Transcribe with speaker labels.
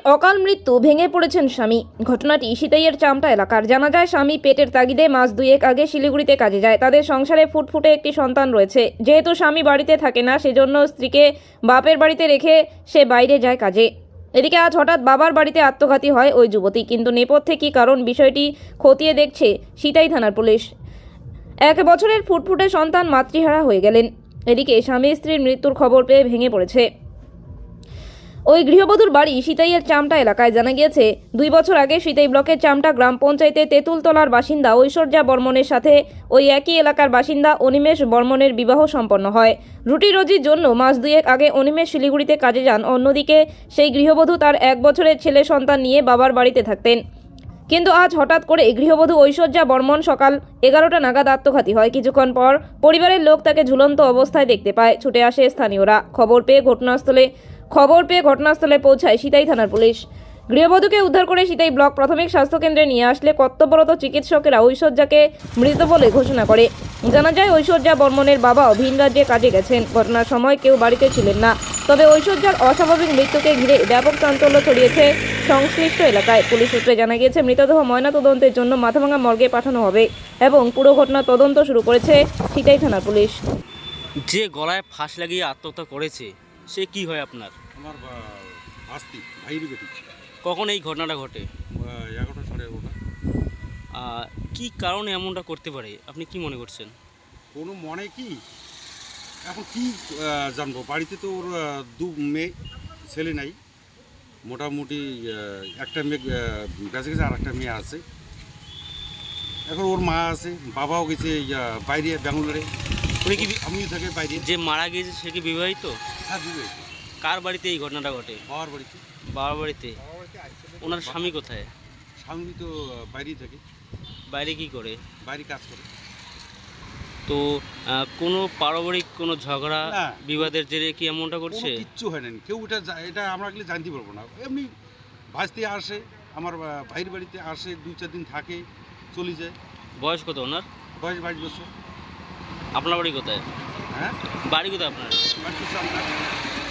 Speaker 1: অকাল মৃত্যু, ভেঙে পড়েছেন স্বামী। ঘটনাটি সিতাইয়ের চামটা এলাকার। জানা যায়, স্বামী পেটের তাগিদে মাস দুয়েক আগে শিলিগুড়িতে কাজে যায়। তাদের সংসারে ফুটফুটে একটি সন্তান রয়েছে। যেহেতু স্বামী বাড়িতে থাকে না, সেজন্য স্ত্রীকে বাপের বাড়িতে রেখে সে বাইরে যায় কাজে। এদিকে আজ হঠাৎ বাবার বাড়িতে আত্মঘাতী হয় ওই যুবতী। কিন্তু নেপথ্যে কী কারণ, বিষয়টি খতিয়ে দেখছে সিতাই থানার পুলিশ। 1 বছরের ফুটফুটে সন্তান মাতৃহারা হয়ে গেলেন। এদিকে স্বামী স্ত্রীর মৃত্যুর খবর পেয়ে ভেঙে পড়েছে ওই গৃহবধূর বাড়ি সিতাইয়ের চামটা এলাকায়। জানা গিয়েছে, 2 বছর আগে সিতাই ব্লকের চামটা গ্রাম পঞ্চায়েতে তেঁতুলতলার বাসিন্দা ঐশ্বর্যা বর্মনের সাথে ওই একই এলাকার বাসিন্দা অনিমেষ বর্মনের বিবাহ সম্পন্ন হয়। রুটি রোজির জন্য মাস দুয়েক আগে অনিমেষ শিলিগুড়িতে কাজে যান। অন্যদিকে সেই গৃহবধূ তার 1 বছরের ছেলে সন্তান নিয়ে বাবার বাড়িতে থাকতেন। কিন্তু আজ হঠাৎ করে গৃহবধূ ঐশ্বর্যা বর্মন সকাল 11টা নাগাদ আত্মঘাতী হয়। কিছুক্ষণ পর পরিবারের লোক তাকে ঝুলন্ত অবস্থায় দেখতে পায়। ছুটে আসে স্থানীয়রা। খবর পেয়ে ঘটনাস্থলে পৌঁছায় সিতাই থানার পুলিশ। গৃহবধূকে উদ্ধার করে সিতাই ব্লক প্রাথমিক স্বাস্থ্যকেন্দ্রে নিয়ে আসলে কর্তব্যরত চিকিৎসকেরা ঐশ্বর্যাকে মৃত বলে ঘোষণা করে। জানা যায়, ঐশ্বর্যা বর্মনের বাবাও ভিন রাজ্যে কাজে গেছেন। ঘটনার সময় কেউ বাড়িতে ছিলেন না। তবে ঐশ্বর্যার অস্বাভাবিক মৃত্যুকে ঘিরে ব্যাপক চাঞ্চল্য ছড়িয়েছে সংশ্লিষ্ট এলাকায়। পুলিশ সূত্রে জানা গিয়েছে, মৃতদেহ ময়নাতদন্তের জন্য মাথাভাঙা মর্গে পাঠানো হবে এবং পুরো ঘটনা তদন্ত শুরু করেছে সিতাই থানার পুলিশ।
Speaker 2: যে গলায় ফাঁস লাগিয়ে আত্মহত্যা করেছে, সে কি হয় আপনার?
Speaker 3: আমার ভাইয়ের বেটি।
Speaker 2: কখন এই ঘটনাটা ঘটে?
Speaker 3: 11টা সাড়ে 11টা।
Speaker 2: কি কারণে এমনটা করতে পারে, আপনি কি মনে করছেন?
Speaker 3: কোনো মনে কি এখন কি জানবো, বাড়িতে তো ওর 2 মেয়ে, ছেলে নাই। মোটামুটি একটা মেয়ে বেঁচে গেছে, আর একটা মেয়ে আছে। এখন ওর মা আছে, বাবাও গেছে বাইরে ব্যাঙ্গালোরে।
Speaker 2: উনি কি
Speaker 3: আমিও থাকে বাইরে।
Speaker 2: যে মারা গিয়েছে সে কি বিবাহিত?
Speaker 3: হ্যাঁ, বিবাহিত।
Speaker 2: কার বাড়িতে এই ঘটনাটা ঘটে?
Speaker 3: বাবার বাড়িতে।
Speaker 2: বাবার বাড়িতে। ওনার স্বামী কোথায়?
Speaker 3: স্বামী তো বাইরেই থাকে,
Speaker 2: বাইরে কি করে?
Speaker 3: বাইরে কাজ করে।
Speaker 2: তো কোনো পারিবারিক কোনো ঝগড়া
Speaker 3: না।
Speaker 2: বিবাদের জেরে কি এমনটা করছে?
Speaker 3: কিচ্ছু হয় না, কেউ এটা আমরা গেলে জানতে পারবো না। এমনি ভাজতে আসে, আমার ভাইয়ের বাড়িতে আসে, 2-4 দিন থাকে, চলে যায়।
Speaker 2: বয়স কত ওনার?
Speaker 3: বয়স 22 বছর।
Speaker 2: আপনার বাড়ি কোথায়?
Speaker 3: হ্যাঁ,
Speaker 2: বাড়ি কোথায় আপনার?
Speaker 3: বাড়ি তো চামটা।